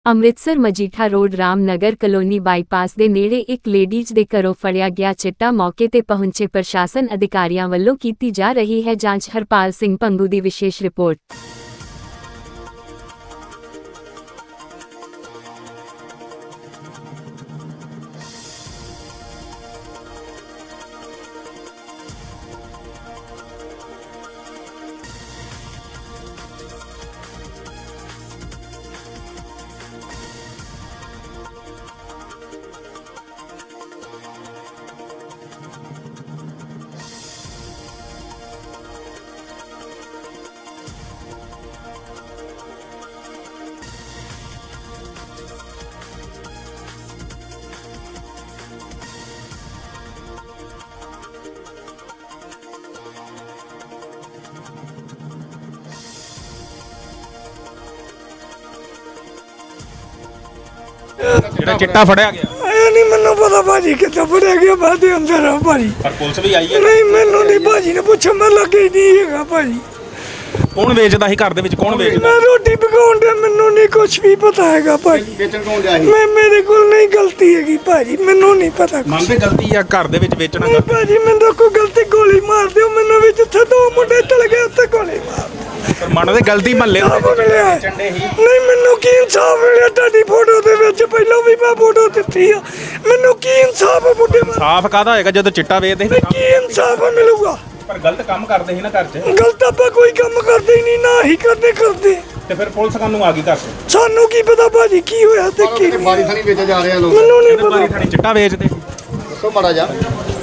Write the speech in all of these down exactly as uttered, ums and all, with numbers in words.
Amritsar Majitha road Ramnagar colony bypass ਦੇ ਨੇੜੇ ਇੱਕ ਲੇਡੀਜ਼ ਦੇ ਘਰੋਂ ਫੜਿਆ ਗਿਆ ਚਿੱਟਾ। ਮੌਕੇ ਤੇ ਪਹੁੰਚੇ ਪ੍ਰਸ਼ਾਸਨ ਅਧਿਕਾਰੀਆਂ ਵੱਲੋਂ ਕੀਤੀ ਜਾ ਰਹੀ ਹੈ ਜਾਂਚ। ਹਰਪਾਲ ਸਿੰਘ ਪੰਗੂ ਦੀ ਵਿਸ਼ੇਸ਼ ਰਿਪੋਰਟ। ਜਿਹੜਾ ਚਿੱਟਾ ਫੜਿਆ ਗਿਆ ਇਹ ਨਹੀਂ ਮੈਨੂੰ ਪਤਾ ਭਾਜੀ ਕਿੱਥੇ ਫੜਿਆ ਗਿਆ। ਬਾਅਦ ਦੇ ਅੰਦਰ ਆ ਭਾਜੀ। ਪਰ ਪੁਲਿਸ ਵੀ ਆਈ ਹੈ। ਨਹੀਂ ਮੈਨੂੰ ਨਹੀਂ ਭਾਜੀ ਨੇ ਪੁੱਛਿਆ, ਮੈਂ ਲੱਗੇ ਨਹੀਂ ਹੈਗਾ ਭਾਜੀ। ਕੌਣ ਵੇਚਦਾ ਸੀ ਘਰ ਦੇ ਵਿੱਚ? ਕੌਣ ਵੇਚਦਾ? ਮੈਂ ਰੋਟੀ ਪਕਾਉਣ ਦਾ, ਮੈਨੂੰ ਨਹੀਂ ਕੁਝ ਵੀ ਪਤਾ ਹੈਗਾ ਭਾਜੀ। ਵੇਚਣ ਕੌਣ ਗਿਆ ਸੀ? ਮੈਂ ਮੇਰੇ ਕੋਲ ਨਹੀਂ ਗਲਤੀ ਹੈਗੀ ਭਾਜੀ, ਮੈਨੂੰ ਨਹੀਂ ਪਤਾ। ਮੰਨਦੇ ਗਲਤੀ ਆ ਘਰ ਦੇ ਵਿੱਚ ਵੇਚਣਾ? ਨਹੀਂ ਭਾਜੀ ਮੈਨੂੰ ਕੋਈ ਗਲਤੀ, ਗੋਲੀ ਮਾਰ ਦਿਓ ਮੈਨੂੰ ਵੀ। ਜਿੱਥੇ ਦੋ ਮੁੰਡੇ ਚਲ ਗਏ ਉੱਥੇ ਗੋਲੀ ਮਾਰ। ਪਰ ਮੰਨਦੇ ਗਲਤੀ ਮਹੱਲੇ ਨਹੀਂ ਮੈਨੂੰ ਕੀ ਇਨਸਾਫ ਮਿਲਿਆ? ਤੁਹਾਡੀ ਫੋਟੋ ਦੇ ਵਿੱਚ ਪਹਿਲਾਂ ਵੀ ਮੈਂ ਫੋਟੋ ਦਿੱਤੀ ਆ। ਮੈਨੂੰ ਕੀ ਇਨਸਾਫ ਬੁੱਢੇ ਸਾਫ਼ ਕਾਹਦਾ ਹੋਏਗਾ ਜਦੋਂ ਚਿੱਟਾ ਵੇਚਦੇ ਸੀ? ਕੀ ਇਨਸਾਫ ਮਿਲੂਗਾ? ਪਰ ਗਲਤ ਕੰਮ ਕਰਦੇ ਸੀ ਨਾ ਘਰ 'ਚ। ਗਲਤ ਆਪਾਂ ਕੋਈ ਕੰਮ ਕਰਦੇ ਹੀ ਨਹੀਂ, ਨਾ ਹੀ ਕਰਦੇ ਕਰਦੇ ਤੇ ਫਿਰ ਪੁਲਿਸ ਕਾਹਨੂੰ ਆ ਗਈ ਘਰ 'ਚ? ਸਾਨੂੰ ਕੀ ਪਤਾ ਭਾਜੀ ਕੀ ਹੋਇਆ ਤੇ ਕੀ ਨਹੀਂ। ਬਾਰੀ ਥਾਣੀ ਵੇਚੇ ਜਾ ਰਹੇ ਆ ਲੋਕ। ਮੈਨੂੰ ਨਹੀਂ ਇਹਦੇ ਬਾਰੀ ਪਤਾ। ਥਾਣੀ ਚਿੱਟਾ ਵੇਚਦੇ ਦੱਸੋ ਮਾੜਾ ਜਾ।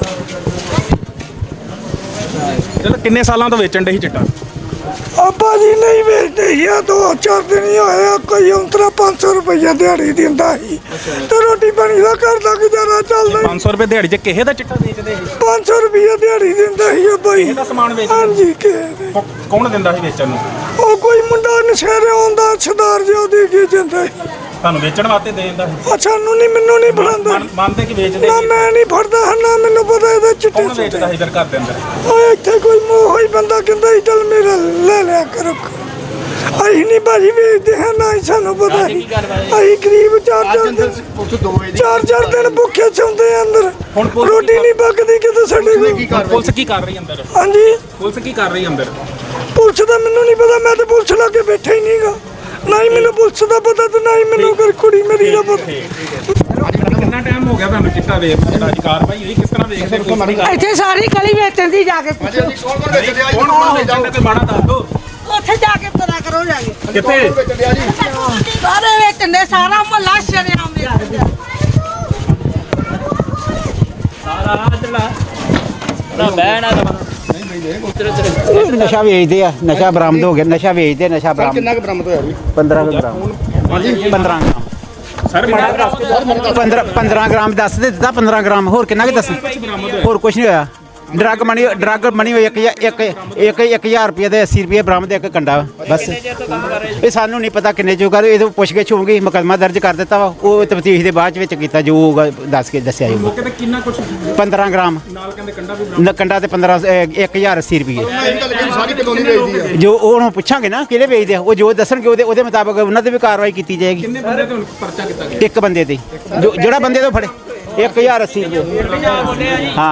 ਚਲੋ ਕਿੰਨੇ ਸਾਲਾਂ ਤੋਂ ਵੇਚਣ ਦੇ ਸੀ ਚਿੱਟਾ? ਆ ਭਾਜੀ ਨਹੀਂ ਵੇਚਦੇ ਸੀ, ਆ ਦੋ ਚਾਰ ਦਿਨ ਹੀ ਹੋਏ ਆ। ਕੋਈ ਉਂਤਰਾ ਪੰਜ ਸੌ ਰੁਪਈਆ ਦਿਹਾੜੀ ਦਿੰਦਾ ਸੀ ਤੇ ਰੋਟੀ ਪਾਣੀ ਦਾ ਘਰ ਦਾ ਗੁਜ਼ਾਰਾ ਚੱਲਦਾ। ਪੰਜ ਸੌ ਰੁਪਏ ਦਿਹਾੜੀ 'ਚ ਕਿਸੇ ਦਾ ਚਿੱਟਾ ਵੇਚਦੇ ਸੀ? ਪੰਜ ਸੌ ਰੁਪਈਆ ਦਿਹਾੜੀ ਦਿੰਦਾ ਸੀ ਉਹ ਭਾਈ। ਇਹਦਾ ਸਮਾਨ ਵੇਚਦੇ? ਹਾਂਜੀ ਕਿਸੇ ਕੌ- ਕੌਣ ਦਿੰਦਾ ਸੀ ਵੇਚਣ ਨੂੰ? ਉਹ ਕੋਈ ਮੁੰਡਾ ਨਸ਼ੇਰੇ ਆਉਂਦਾ ਸਰਦਾਰ ਜਿਹਾ ਦੇ ਕੇ ਜਾਂਦਾ ਸੀ। ਤੁਹਾਨੂੰ ਵੇਚਣ ਵਾਸਤੇ ਦੇ ਦਿੰਦਾ ਸੀ? ਆ ਸਾਨੂੰ ਨਹੀਂ, ਮੈਨੂੰ ਨਹੀਂ ਫੜਾਉਂਦਾ। ਮੰਨ- ਮੰਨਦੇ ਕਿ ਵੇਚਦੇ ਨਾ ਸੀ? ਮੈਂ ਨਹੀਂ ਫੜਦਾ ਹਾਂ, ਨਾ ਮੈਨੂੰ ਪਤਾ ਇਹਦਾ ਚਿੱਟੇ ਕੌਣ ਵੇਚਦਾ ਸੀ ਫਿਰ ਘਰ ਦੇ ਅੰਦਰ? ਓਏ ਇੱਥੇ ਕੋਈ ਮੋਹ ਹੀ ਬੰਦਾ ਕਹਿੰਦਾ ਸੀ ਚੱਲ ਮੇਰਾ ਲੈ ਲਿਆ ਕਰੋ। ਅਸੀਂ ਨਹੀਂ ਭਾਜੀ ਵੇਚਦੇ ਹਾਂ, ਨਾ ਹੀ ਸਾਨੂੰ ਪਤਾ ਸੀ। ਅਸੀਂ ਗਰੀਬ ਚਾਰ ਚਾਰ ਦਿਨ ਪੁਲਿਸ ਦੋ ਵਜੇ ਚਾਰ ਚਾਰ ਦਿਨ ਭੁੱਖੇ ਸੌਂਦੇ ਆ ਅੰਦਰ। ਹੁਣ ਪੁਲਿਸ ਰੋਟੀ ਨਹੀਂ ਪੱਕਦੀ ਕਿਤੇ ਸਾਡੇ ਕੋਲ। ਪੁਲਿਸ ਕੀ ਕਰ ਰਹੀ ਅੰਦਰ? ਹਾਂਜੀ ਪੁਲਿਸ ਕੀ ਕਰ ਰਹੀ ਅੰਦਰ? ਪੁਲਿਸ ਦਾ ਮੈਨੂੰ ਨਹੀਂ ਪਤਾ, ਮੈਂ ਤਾਂ ਪੁਲਿਸ ਲਾ ਕੇ ਬੈਠਾ ਹੀ ਨਹੀਂਗਾ। ਨਾ ਹੀ ਮੈਨੂੰ ਪੁਲਿਸ ਦਾ ਪਤਾ ਤੇ ਨਾ ਹੀ ਮੈਨੂੰ ਕੋਈ ਕੁੜੀ ਮੇਰੀ ਦਾ ਪਤਾ। ਕਿੰਨਾ ਟਾਈਮ ਹੋ ਗਿਆ ਤੁਹਾਨੂੰ ਚਿੱਟਾ ਵੇਚਦੇ? ਜਿਹੜਾ ਅੱਜ ਕਾਰਵਾਈ ਹੋਈ ਕਿਸ ਤਰ੍ਹਾਂ ਵੇਚਦੇ? ਇੱਥੇ ਸਾਰੀ ਗਲੀ ਵੇਚਣ ਦੀ ਜਾ ਕੇ ਪੁੱਛੋ। ਕੌਣ ਕੌਣ ਵੇਚਦੇ ਆ ਜੀ? ਕੌਣ ਕੌਣ ਵੇਚਦੇ ਤੇ ਮਾੜਾ ਦੱਸ ਦੋ। ਉੱਥੇ ਜਾ ਕੇ ਪਤਾ ਕਰੋ ਜਾ ਕੇ। ਕਿੱਥੇ? ਕੌਣ ਵੇਚਦੇ ਆ ਜੀ? ਸਾਰੇ ਵੇਚਣ ਦੇ, ਸਾਰਾ ਮੁਹੱਲਾ ਸ਼ਰੇਆਮ ਵੇਚਦਾ। ਨਸ਼ਾ ਵੇਚਦੇ ਆ। ਨਸ਼ਾ ਬਰਾਮਦ ਹੋ ਗਿਆ। ਨਸ਼ਾ ਵੇਚਦੇ, ਨਸ਼ਾ ਬਰਾਮਦ। ਕਿੰਨਾ ਕੁ ਬਰਾਮਦ ਹੋਇਆ ਜੀ? ਪੰਦਰਾਂ ਗ੍ਰਾਮ। ਹਾਂਜੀ ਪੰਦਰਾਂ ਗ੍ਰਾਮ। ਸਰ ਮਾੜਾ ਪੰਦਰਾਂ ਪੰਦਰਾਂ ਗ੍ਰਾਮ ਦੱਸ ਦੇ ਦਿੱਤਾ। ਪੰਦਰਾਂ ਗ੍ਰਾਮ ਹੋਰ ਕਿੰਨਾ ਕੁ ਦੱਸ? ਹੋਰ ਕੁਝ ਨਹੀਂ ਹੋਇਆ। ਡਰੱਗ ਮਨੀ ਡਰੱਗ ਮਨੀ ਹੋਈ ਇੱਕ ਇੱਕ ਇੱਕ ਇੱਕ ਹਜ਼ਾਰ ਰੁਪਏ ਦੇ ਅੱਸੀ ਰੁਪਏ ਬਰਾਮਦ ਇੱਕ ਕੰਡਾ ਬਸ। ਇਹ ਸਾਨੂੰ ਨਹੀਂ ਪਤਾ ਕਿੰਨੇ ਜੋ ਕਰ। ਇਹ ਪੁੱਛ ਗਿੱਛ ਹੋਊਗੀ, ਮੁਕੱਦਮਾ ਦਰਜ ਕਰ ਦਿੱਤਾ ਵਾ। ਉਹ ਤਫਤੀਸ਼ ਦੇ ਬਾਅਦ ਵਿੱਚ ਕੀਤਾ ਜੋ ਹੋਊਗਾ ਦੱਸ ਕੇ ਦੱਸਿਆ ਜਾਊਗਾ। ਮੌਕੇ ਤੇ ਕਿੰਨਾ ਕੁਝ ਪੰਦਰਾਂ ਗ੍ਰਾਮ ਨਾਲ ਕਹਿੰਦੇ ਕੰਡਾ ਵੀ ਨ ਕੰਡਾ ਤੇ ਪੰਦਰਾਂ ਇੱਕ ਹਜ਼ਾਰ ਅੱਸੀ ਰੁਪਏ ਮੈਂ ਇਹ ਗੱਲ ਕਹੀ ਸਾਰੀ ਕਲੋਨੀ ਵੇਚਦੀ ਆ। ਜੋ ਉਹਨੂੰ ਪੁੱਛਾਂਗੇ ਨਾ ਕਿਹੜੇ ਵੇਚਦੇ ਆ, ਉਹ ਜੋ ਦੱਸਣਗੇ ਉਹਦੇ ਉਹਦੇ ਮੁਤਾਬਕ ਉਹਨਾਂ ਤੇ ਵੀ ਕਾਰਵਾਈ ਕੀਤੀ ਜਾਏਗੀ। ਕਿੰਨੇ ਬੰਦੇ ਤੇ ਹੁਣ ਪਰਚਾ ਕੀਤਾ ਗਿਆ? ਇੱਕ ਬੰਦੇ ਤੇ ਜੋ ਜਿਹੜਾ ਬੰਦੇ ਤੋਂ ਫੜੇ ਇੱਕ ਹਜ਼ਾਰ ਅੱਸੀ ਰੁਪਏ। ਹਾਂ।